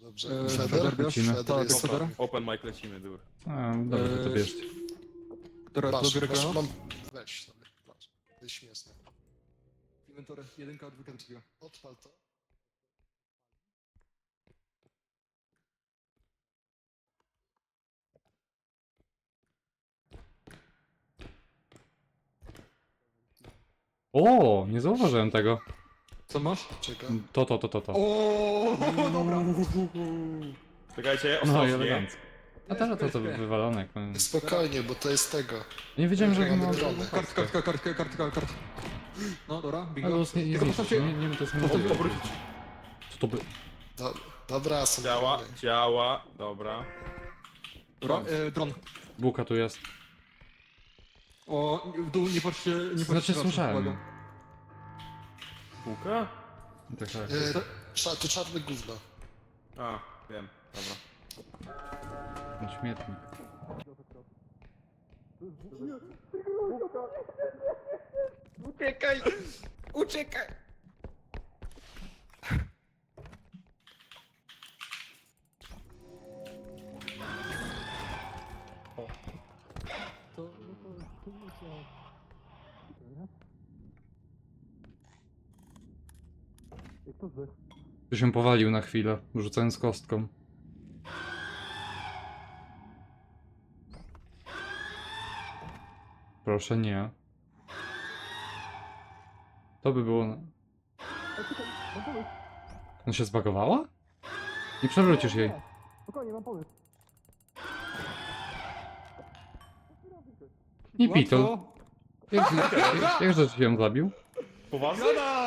Dobrze. Feder bierz? lecimy. Feder Tak, jest Feder. Open mic lecimy, dur. A, dobrze, to bierzcie. Dobra, Masz, dobiorę masz, go. mam... Weź sobie, masz. To jest śmieszne. Inwentory, 1, 2, 3. Odpal to. O, nie zauważyłem tego. Co masz? Czekaj. To. O, dobra. Czekajcie, No i ostrożnie. elegancko. A teraz to wywalone. Jak mam... Spokojnie, bo to jest tego. Nie wiedziałem, że Mamy mam... dronę. Kartka. No, dobra, Ale bingo. to jest nie Tylko zniszczyć, postawcie- nie to jest nie Obrócić. Co to by... Do, dobra, są Działa, drony. działa, dobra. Dobra, dron. Bułka tu jest. O, w dół nie patrzcie, nie patrzcie. Znaczy na słyszałem. uwagę. Bułka? Tak. To czarne gówno. A, wiem, dobra. Śmietnik. Uciekaj! Tu się powalił na chwilę, rzucając kostką. Proszę nie. To by było... On się zbagowała? Nie przewrócisz jej. Spokojnie, mam pomysł. Nie pitol. Jakże ci ją zabił? Poważnie?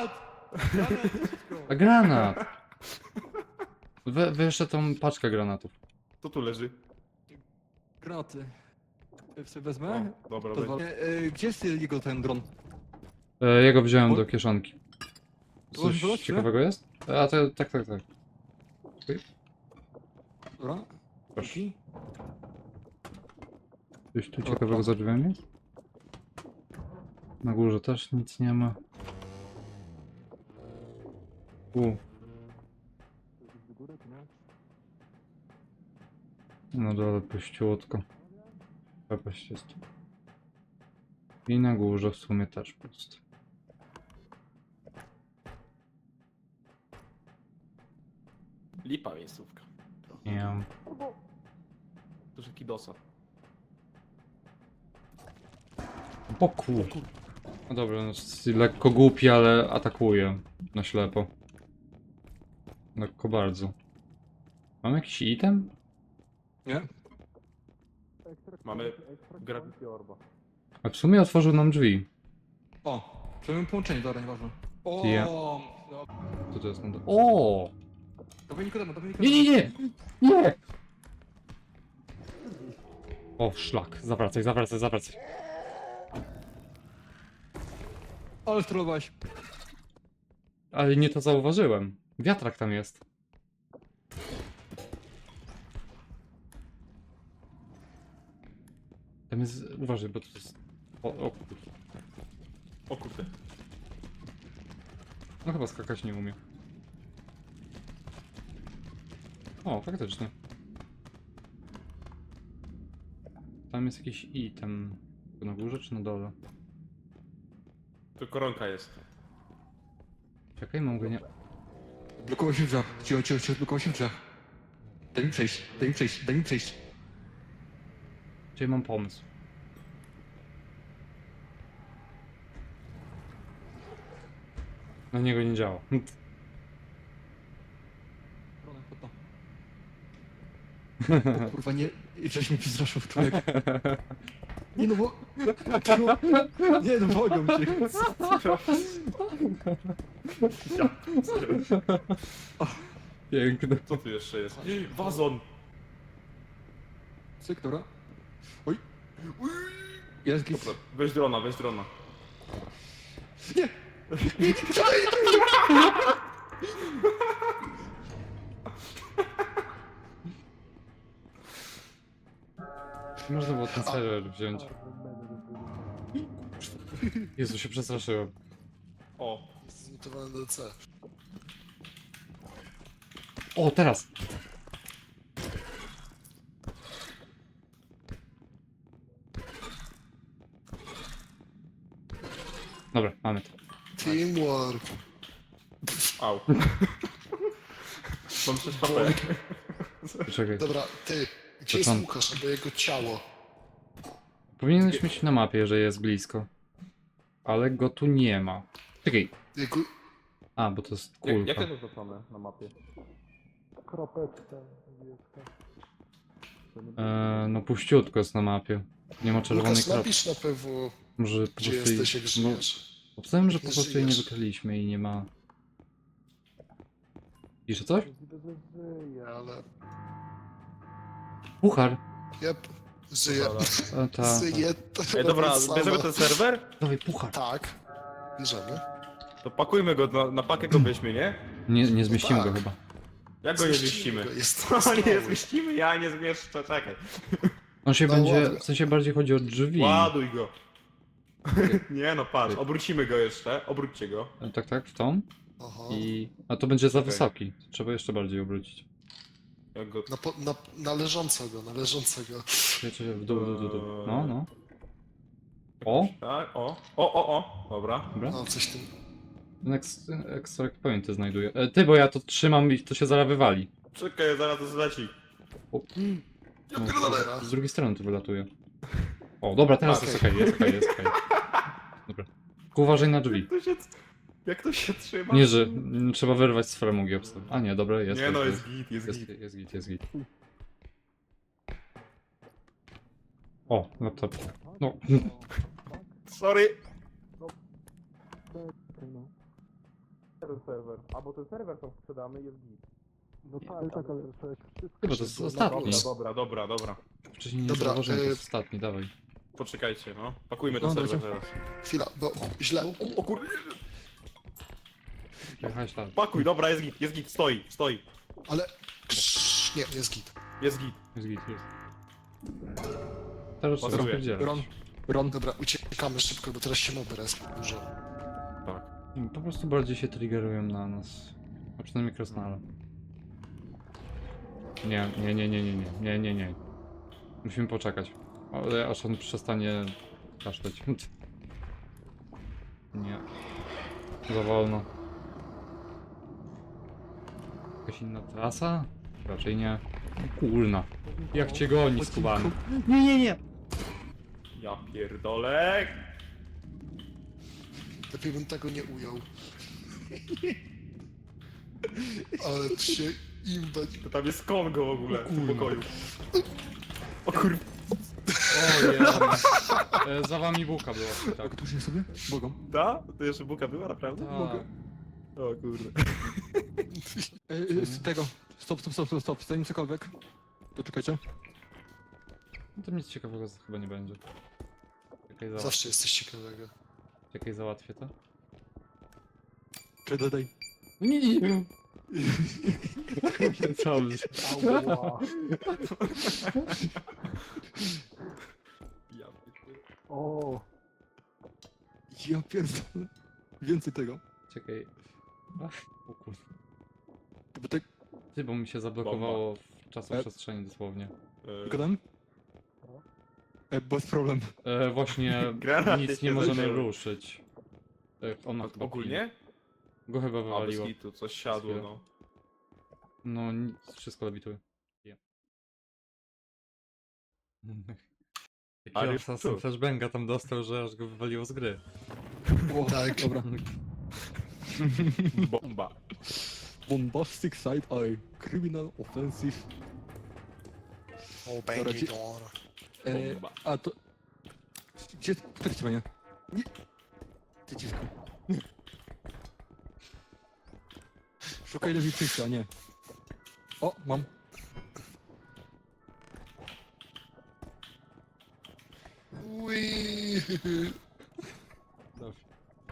A granat! Jeszcze tą paczkę granatów. To tu leży. Granaty. Sobie wezmę. O, dobra, To weź. gdzie jest jego ten dron? Ja go wziąłem do kieszonki. Coś Coś ciekawego jest? A to tak. Dobra. Proszę. Dzięki. Coś tu ciekawego za drzwiami jest? Na górze też nic nie ma. No dole puściutko. Przepaść jest. I na górze w sumie też pusto. Lipa miejscówka. Nie mam. Duży kidosa. Boku. No dobra, no, jest lekko głupi, ale atakuje na ślepo. Lekko bardzo. Mam jakiś item? Nie? Mamy Gravity Orba. A w sumie otworzył nam drzwi. O, przejmę połączenie, dobra, nieważne. O, Ja. no. Co to jest? O! Dawaj Nikodema. Nie! O, szlak. Zawracaj. Ale strollowałeś. Ale nie to zauważyłem. Wiatrak tam jest. Tam jest... Uważaj, bo to jest... O kurde. O kurde. No chyba skakać nie umie. O, faktycznie. Tam jest jakiś item. To na górze czy na dole? Tu koronka jest. Czekaj, mam go nie... Blokował się w drzwiach. Cicho, blokował się w drzwiach. Daj mi przejść. Czyli mam pomysł. Na niego nie działa. Dronem, pod to. O kurwa, nie... Żeś mnie przestraszył, człowiek. Nie no bo... Nie no, wodnią cię. Piękne. Co tu jeszcze jest? Wazon! Cyk, dobra. Oj. Jest git. Dobra, weź drona. Nie! Można było ten serwer wziąć. Jezu, się przestraszyłem. O, Zmutowane do C. O, teraz! Dobra, mamy to. Teamwork. Au. Mam 6 HP. Czekaj. Dobra, ty. Gdzie jest Początek. Łukasz albo jego ciało? Powinieneś mieć na mapie, że jest blisko. Ale go tu nie ma. Czekaj. Jego... A, bo to jest Jak kulka. jest oznaczone na mapie? Kropeczka. No puściutko jest na mapie. Nie ma czerwonej Łukasz, kropki. napisz na PW, Może po gdzie prostu jesteś, jak no, żyjesz. obstawiam, że po Nie prostu jej nie żyjesz. wykryliśmy i nie ma... Pisze coś? Żyje, ale... Puchar! Jep, żyje. Ta. Żyje. Ej, dobra, Sama. bierzemy ten serwer? Dawaj, puchar! Tak. Bierzemy. To pakujmy go, na pakę go weźmy, nie? Nie zmieścimy tak. go chyba. Jak go nie Zmieścimy zmieścimy? go, jest No nie stały. zmieścimy, ja nie zmieszczę, czekaj. On się No będzie... ładnie. W sensie bardziej chodzi o drzwi. Ładuj go. Nie no, patrz, obrócimy go jeszcze, obróćcie go. Tak, w tą. Aha. A to będzie za Okej. wysoki. Trzeba jeszcze bardziej obrócić. Jak go... Na leżącego, na leżącego. Wiecie, w dół. No. O! Tak, o, dobra. Dobra. No, coś tym. Extract pointy znajduję. Ty, bo ja to trzymam i to się zaraz wywali. Czekaj, zaraz to zleci. Ja pierdolę. Z drugiej strony to wylatuje. O, dobra, teraz jest okej, jest okej. Dobra. Tylko uważaj na drzwi. Jak to się trzyma? Nie, że trzeba wyrwać z framugi obstaw. A nie, dobra, jest. Nie no, jest jest git. git. O, laptop. No. Sorry. Ten serwer. A bo ten serwer tam sprzedamy jest git. No tak, ale wszystko. Chyba to jest ostatni. Dobra. Wcześniej nie Dobra, zauważyłem, to jest ostatni, dawaj. Poczekajcie, no. Pakujmy ten No, serwer dajcie. teraz. Chwila, bo źle. O kur... Jechałeś tam. Pakuj, dobra, jest git, stoi. Ale... Nie, jest git. Jest git. Jest. Teraz trzeba Pasuje. spierdzielać. Ron. Dobra, uciekamy szybko, bo teraz się moby raz dużo. Tak. Po prostu bardziej się triggerują na nas. A przynajmniej krasnale. Nie. Musimy poczekać. Ale aż on przestanie kaszleć. Nie. Za wolno. Jakaś inna trasa? Raczej nie. Kurna. Jak cię goni, skubany. Nie. Ja pierdolę. Lepiej bym tego nie ujął. Ale tu się im dać. To tam jest Kongo w ogóle w tym pokoju. O kur... Za wami buka była. Tak. Tak, tuż sobie? Bogom. Da? To jeszcze buka była, naprawdę? Tak. O kurde. Z tego. Stop. Zanim cokolwiek. To czekajcie. No to nic ciekawego chyba nie będzie. Zawsze jest coś ciekawego. Czekaj, załatwię to. Czekaj, daj. Nie. Dobrze. Ja pierdolę. O. Ja pierdolę. Więcej tego. Czekaj. Ach, o kurde. Bo tak... Ty, bo mi się zablokowało w czasoprzestrzeni dosłownie. Gadam? Bez problem. Właśnie Granaty nic się nie możemy zaczęły. ruszyć. Ona chyba Ogólnie? Go chyba A, bez wywaliło. hitu, coś siadło, no. No, nic, wszystko lewituje. Ale Jaki Assassin tu. flashbanga tam dostał, że aż go wywaliło z gry. O, Tak. Dobra. Bomba. Bombastic side eye. Criminal offensive. O, Dobra, ci- door. Bomba. A to... Gdzie... Tak cię, nie? Nie. Ty dziwko. Szukaj lewicy, a nie. O, mam. Ui. Dobrze.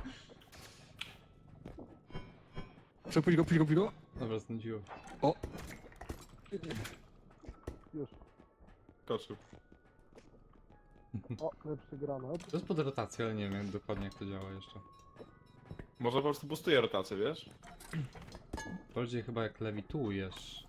Przepuść go. Dobra, znudziło. O. Koczył. O, lepszy granat. To jest pod rotacją, ale nie wiem dokładnie jak to działa jeszcze. Może po prostu boostuje rotację, wiesz? Bardziej chyba jak lewitujesz.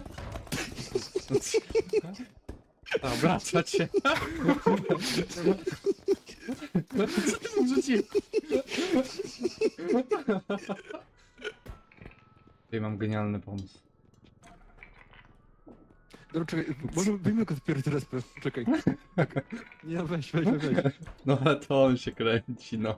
A, obracać się. Co ty mu rzuciłeś? Tutaj mam genialny pomysł. Dobra, czekaj, może wyjmę go dopiero teraz, czekaj. Tak. Nie, weź. No ale to on się kręci, no.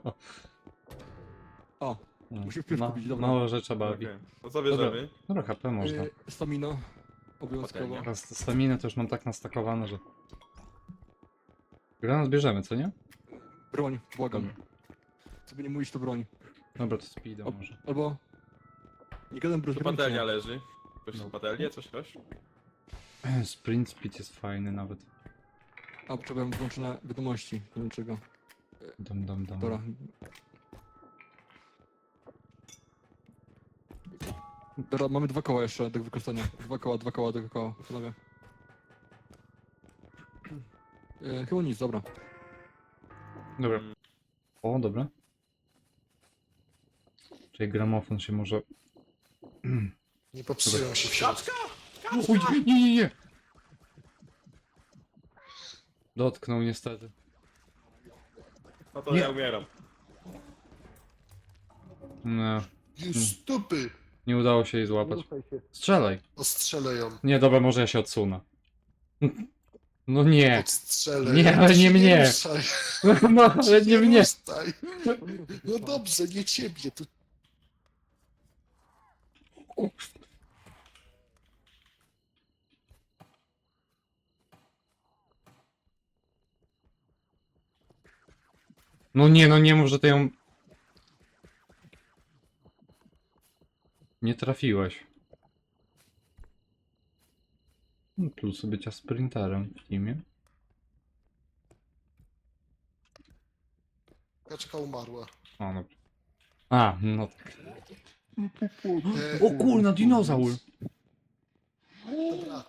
O, No, Musimy wpierw kupić, dobra. Mało rzeczy bawi. Okej. No co bierzemy? Dobra, HP można. stamina. Obowiązkowo. Patelnia. Teraz staminę to już mam tak nastakowane, że... Granat bierzemy, co nie? Broń, błagam. Co by nie mówić, to broń. Dobra, to speedo może. Albo... Nie gadam bez Tu broni. patelnia leży. Ktoś No. z patelnię, coś? Sprint speed jest fajny nawet. A, potrzebowałem włączone wiadomości. Nie wiem czego. Dam. Dobra. Dobra, mamy 2 koła jeszcze do wykorzystania. 2 koła, panowie. Chyba nic, dobra. Dobra. Mm, O, dobra. Czyli gramofon się może... Nie popsują się w środku. Uj, nie! Dotknął niestety. No to Nie. ja umieram. No, Już stupy! nie udało się jej złapać. Ruszaj się. Strzelaj! Ostrzelę ją. Nie, dobra, może ja się odsunę. No nie! Odstrzelę Nie, ją. ale Ty nie się mnie. ruszaj. No, ale nie mnie! ruszaj. No dobrze, nie ciebie. Tu... No nie, no nie mów, że ty ją... Nie trafiłeś. Plusy bycia sprinterem w teamie. Kaczka umarła. O, dobra. A, no tak. O O kurna, dinozaur! Dobra.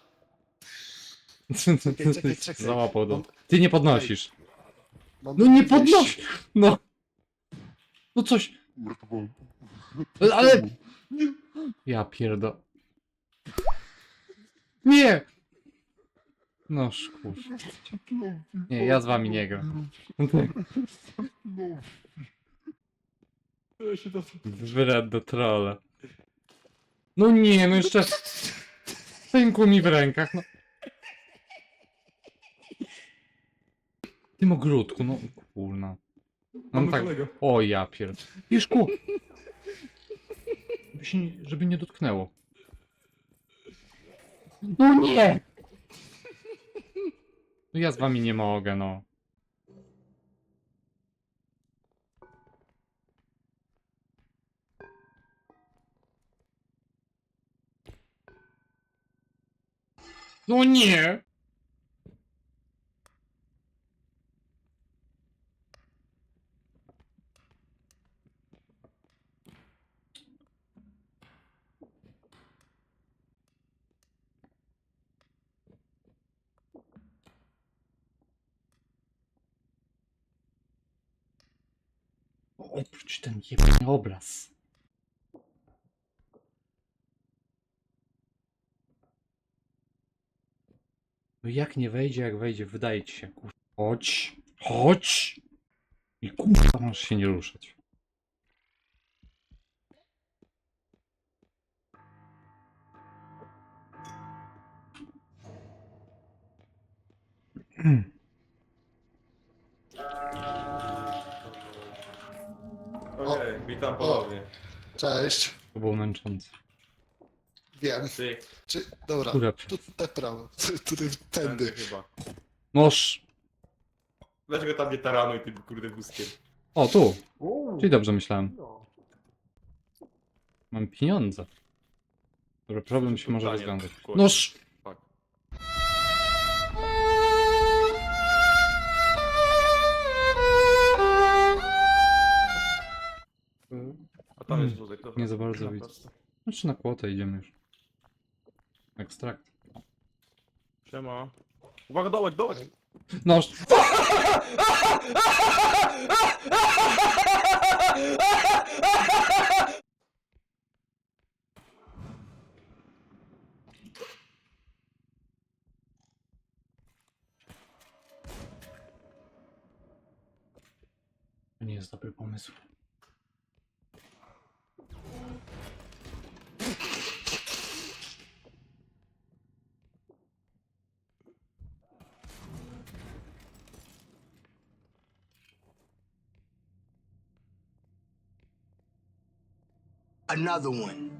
Czekaj. Załapał do... Ty nie podnosisz. Mam No nie wejście. podnoś! No! No coś... Ale... Ja pierdo... Nie! No szkur. Nie, ja z wami nie gram. Wred do trolla. No nie, no jeszcze... Pękło mi w rękach, no. Tym ogródku, no kurna. Mam Mamy tak... kolegę. O ja pierd... Piszku! Żeby nie dotknęło. No nie! No ja z wami nie mogę, no. No nie! Oprócz ten jebany obraz. No jak nie wejdzie, jak wejdzie, wydaje ci się, kurwa. Chodź! Chodź! I kurwa, możesz się nie ruszać. Okej, witam ponownie. Cześć. To było męczące. Wiem. Ty, Dobra. Kurwa. Tu te prawo. Tu tędy tędy. chyba. Noż! Dlaczego tam nie taranuj tym kurde wózkiem? O, tu! Czyli dobrze myślałem. Mam pieniądze. Dobra, problem się może Pytanie, rozwiązać. kurde. Noż! Fuck. A tam jest wózek, dobra. Nie za bardzo Na widzę. prosto. Znaczy na kłotę idziemy już. Ekstrakt. Siema. Uwaga, dołek! Noż! To nie jest dobry pomysł. Another one.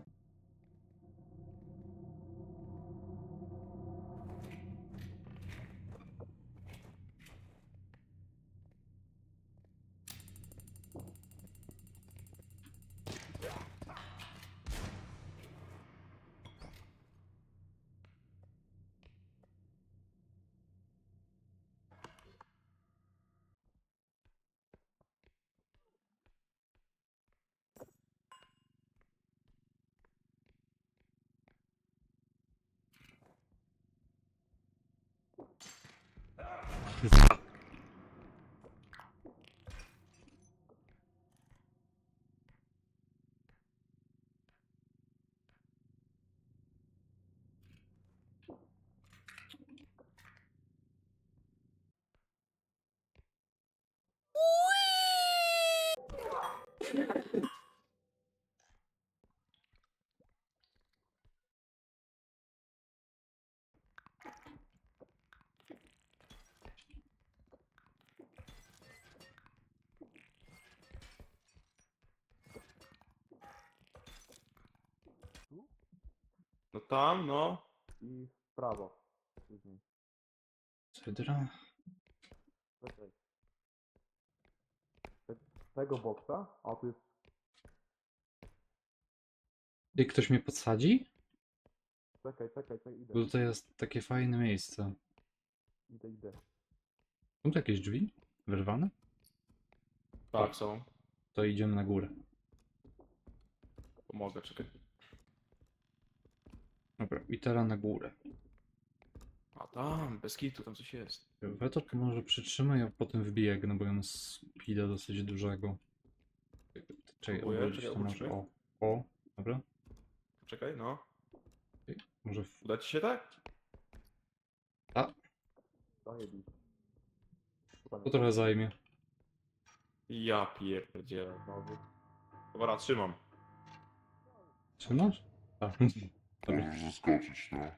No tam, no. I w prawo. Później. Cydra? Czekaj. Tego boksa? A tu jest... I ktoś mnie podsadzi? Czekaj, idę. Bo tutaj jest takie fajne miejsce. Idę. Są tu jakieś drzwi? Wyrwane? Tak, są. To idziemy na górę. Pomogę, czekaj. Dobra, i teraz na górę. A tam, bez kitu, tam coś jest. Weto to może przytrzymaj, a potem wbiegnę, bo ja mam speeda dosyć dużego. Czekaj, Próbuję, obrócić czekaj, to może. obróćmy. O, dobra. Czekaj, no. Może Uda ci się tak? A. Zajebiście. to trochę zajmie. Ja pierdzielę znowu. Dobra, trzymam. Trzymasz? Tak. Dobra. Możesz zaskoczyć, no.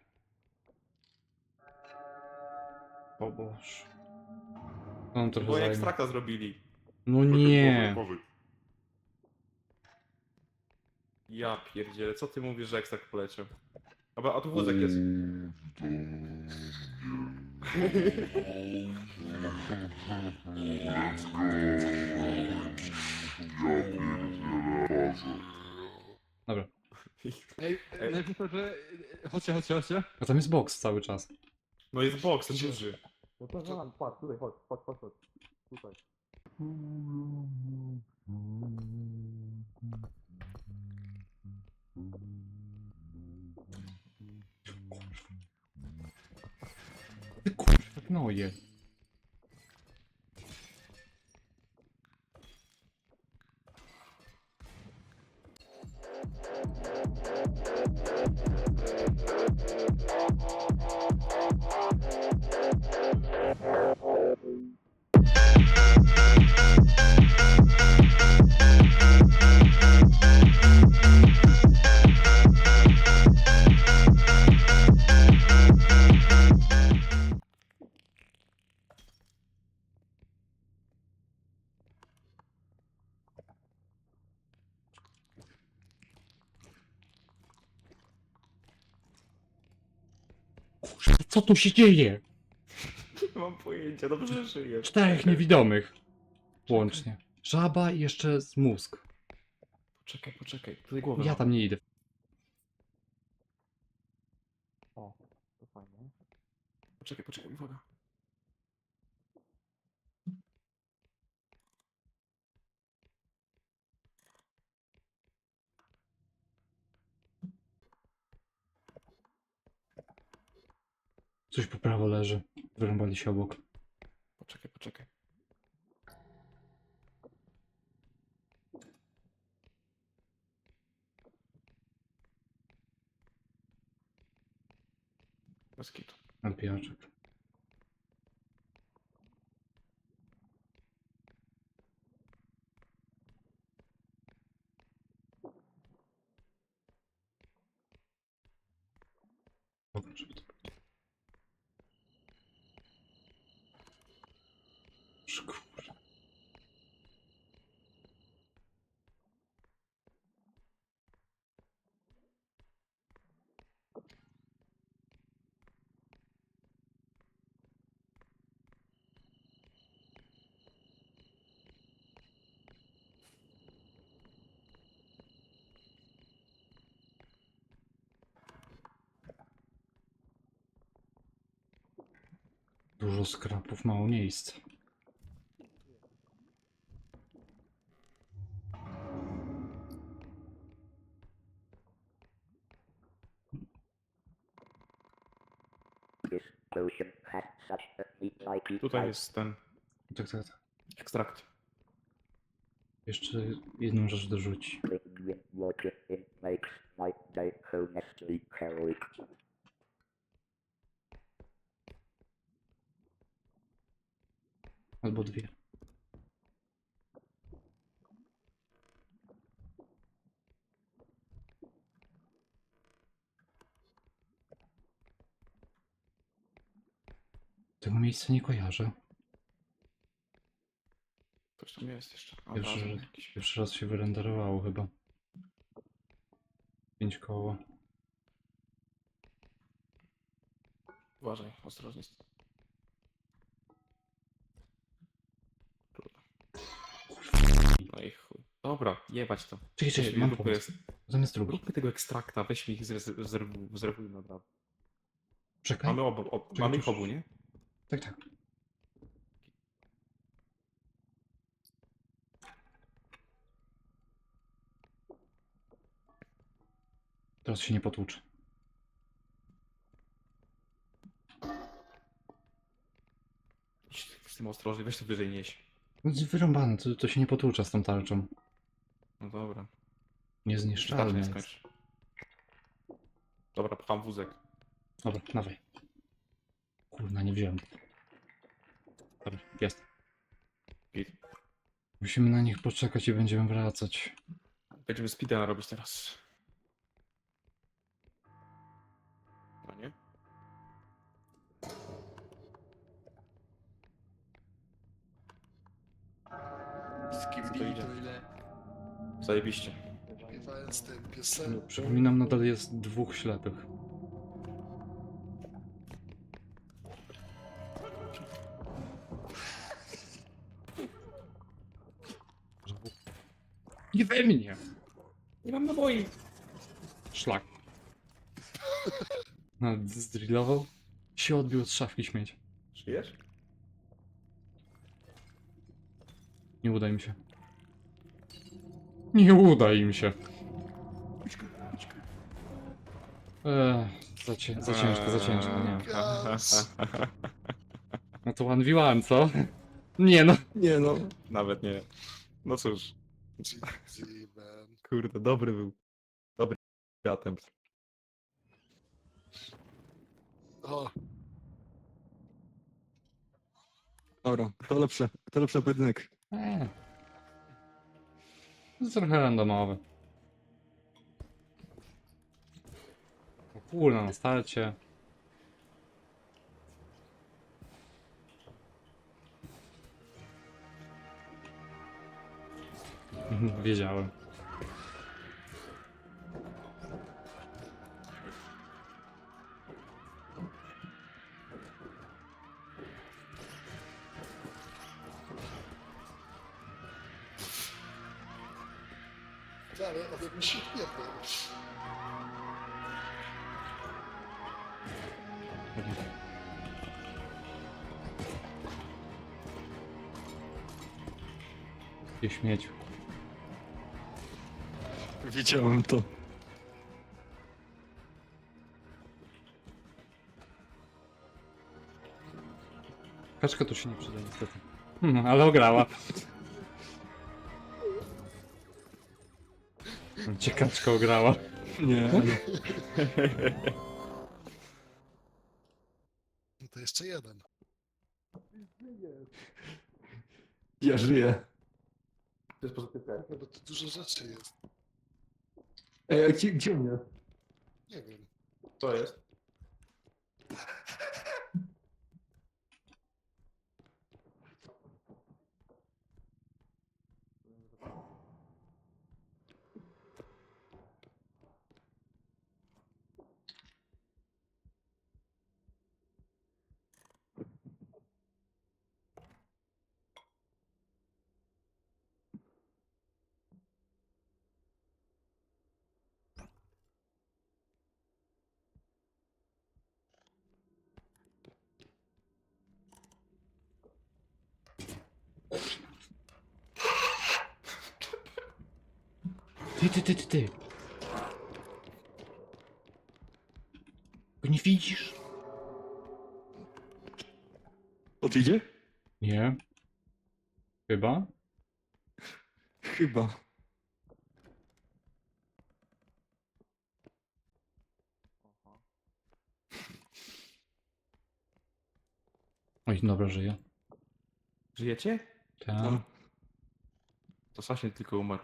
O Boże. On trochę Bo zajmie. ekstrakta zrobili. No nie. Uważaj. Ja pierdzielę, co ty mówisz, że ekstrakt poleciał? Dobra, a tu wózek jest. Let's go. Ja pierdzielę razem. Dobra. Ej, najpierw to, że... Chodźcie. A tam jest box cały czas. No jest boks, ten duży. No to patrz, tutaj, chodź. Tutaj. Ty kurwa, no je. Kurwa, co tu się dzieje? Nie mam pojęcia, dobrze żyję. 4 niewidomych. Łącznie. Żaba i jeszcze z mózg. Poczekaj, tutaj głowę Ja mam. tam nie idę. O, to fajnie. Poczekaj, uwaga. Coś po prawo leży. Wyrąbali się obok. Poczekaj. Bez kitu. Alpijaczek. Pokaż mi to. Kurwa. Dużo skrapów, mało miejsc. Tutaj jest ten Tak, tak, tak. ekstrakt. Jeszcze jedną rzecz dorzuci. Albo dwie. Tego miejsca nie kojarzę. Coś tam jest jeszcze. A, Pierwszy, razem jakiś. pierwszy raz się wyrenderowało chyba. 5 koło. Uważaj, ostrożnie. No i chuj. Dobra, jebać to. Czekaj, czekaj, Nie, mam róbmy pomysł. Zamiast drugi. Róbmy tego ekstrakta, weźmy ich, zrezerwujmy naprawdę. Czekaj. Mamy ich obu, nie? Tak, tak. Teraz się nie potłuczę. Z tym ostrożnie, weź to wyżej nieś. No, wyrąbane, to się nie potłucza z tą tarczą. No dobra. Niezniszczalne Nie jest. skończ. Dobra, pcham wózek. Dobra, dawaj. Kurna, nie wziąłem. Dobra, jest. Git. Musimy na nich poczekać i będziemy wracać. Będziemy speedrun robić teraz. No nie? Skibidi, To idzie. to ile? Zajebiście. Śpiewając tę piosenkę. Przypominam, nadal jest 2 ślepych. Nie we mnie! Nie mam naboi. Szlak. Nawet zdrillował. Się odbił od szafki śmieć. Żyjesz? Nie uda im się. Nie uda im się. Za ciężko, za ciężko, nie. Gaz. No to 1v1, co? Nie no. Nie no. Nawet nie. No cóż, GG, man. kurde, dobry był. Dobry attempt. O, Dobra, to lepszy pojedynek. To jest trochę randomowe. O kurna, na starcie. Wiedziałem. ale ode mnie się nie było. Ty śmieciu. Wiedziałem to. Kaczka tu się nie przyda niestety. Ale ograła. Cię kaczka ograła. Nie. No to jeszcze jeden. Ja żyję. To jest pozytywne. No bo to dużo rzeczy jest. Ej, a gdzie mnie? Nie wiem. To jest. Ty. Go nie widzisz? Odjedzie? Nie. Chyba? Chyba. Oj, dobra, żyje. Żyjecie? Tak. No. To Sasin tylko umarł.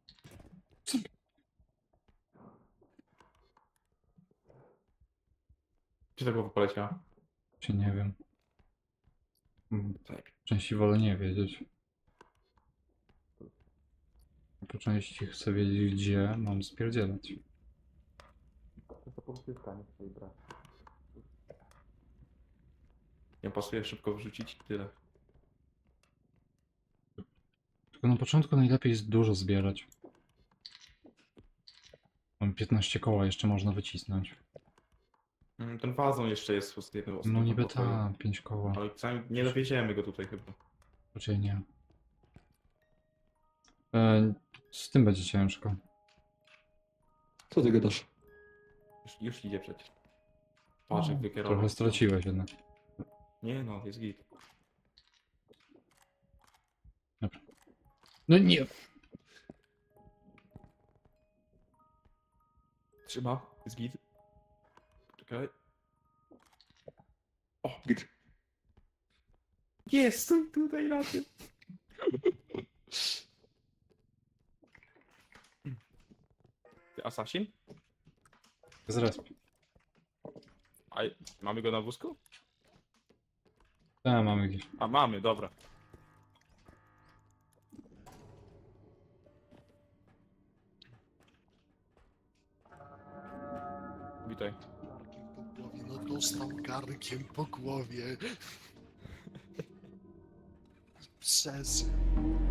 Gdzie ta głowa poleciała? Czy nie wiem. Tak. Części wolę nie wiedzieć. Po części chcę wiedzieć, gdzie mam spierdzielać. To pozytywka, nie chcę jej brać. Nie pasuje szybko wrzucić i tyle. Tylko na początku najlepiej jest dużo zbierać. Mam 15 koła, jeszcze można wycisnąć. Ten wazon jeszcze jest z jednym No osobą niby pokoju. ta, 5 koła. Ale sami nie dowiedziemy go tutaj chyba. Raczej nie. Z tym będzie ciężko. Co ty gadasz? Już idzie przecież. Patrz jak wykierował. Trochę straciłeś jednak. Nie no, jest git. No nie! Trzyma, jest git. Czekaj. O, Git. jest tutaj na tym. Ty Assassin? Zresp. A mamy go na wózku? Tak, mamy gdzieś. A mamy, dobra. Witaj. Garnkiem po głowie, no dostał garnkiem po głowie. Przez...